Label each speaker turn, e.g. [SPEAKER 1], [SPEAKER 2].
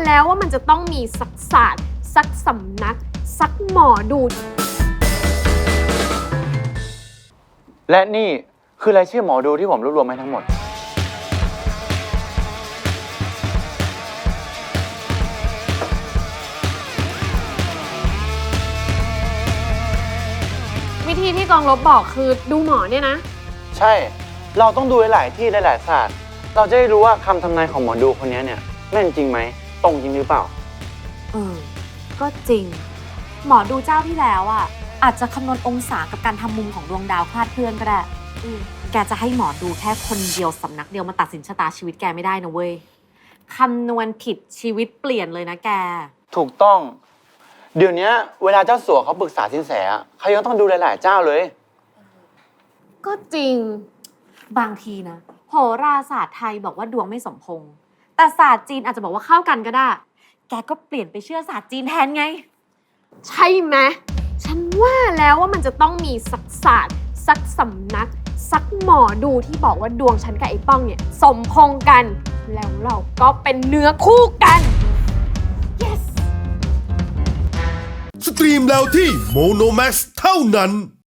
[SPEAKER 1] แล้วว่ามันจะต้องมีสักศาสตร์สักสำนักสักหมอดู
[SPEAKER 2] และนี่คือรายชื่อหมอดูที่ผมรวบรวมมาทั้งหมด
[SPEAKER 1] วิธีที่กองลบบอกคือดูหมอเนี่ยนะ
[SPEAKER 2] ใช่ เราต้องดูหลายๆที่หลายๆศาสตร์ เราจะได้รู้ว่าคำทำนายของหมอดูคนนี้เนี่ยแม่นจริงไหมตรงจริงหรือเปล่า
[SPEAKER 3] ก็จริง หมอดูเจ้าที่แล้วอ่ะอาจจะคำนวณองศากับการทำมุมของดวงดาวคลาดเคลื่อนก็ได้แกจะให้หมอดูแค่คนเดียวสำนักเดียวมาตัดสินชะตาชีวิตแกไม่ได้นะเว้ยคำนวณผิดชีวิตเปลี่ยนเลยนะแก
[SPEAKER 2] ถูกต้อง เดี๋ยวนี้เวลาเจ้าสัวเขาปรึกษาสินแสอะเขายังต้องดูหลายๆเจ้าเลย
[SPEAKER 1] ก็จริง
[SPEAKER 3] บางทีนะโหราศาสตร์ไทยบอกว่าดวงไม่สมพงษ์แต่ศาสตร์จีนอาจจะบอกว่าเข้ากันก็ได้ แกก็เปลี่ยนไปเชื่อศาสตร์จีนแทนไง
[SPEAKER 1] ใช่ไหมฉันว่าแล้วว่ามันจะต้องมีสักศาสตร์สักสำนักสักหมอดูที่บอกว่าดวงฉันกับไอ้ป้องเนี่ยสมพงษ์กัน แล้วเราก็เป็นเนื้อคู่กัน yes
[SPEAKER 4] สตรีมแล้วที่โมโนแม x เท่านั้น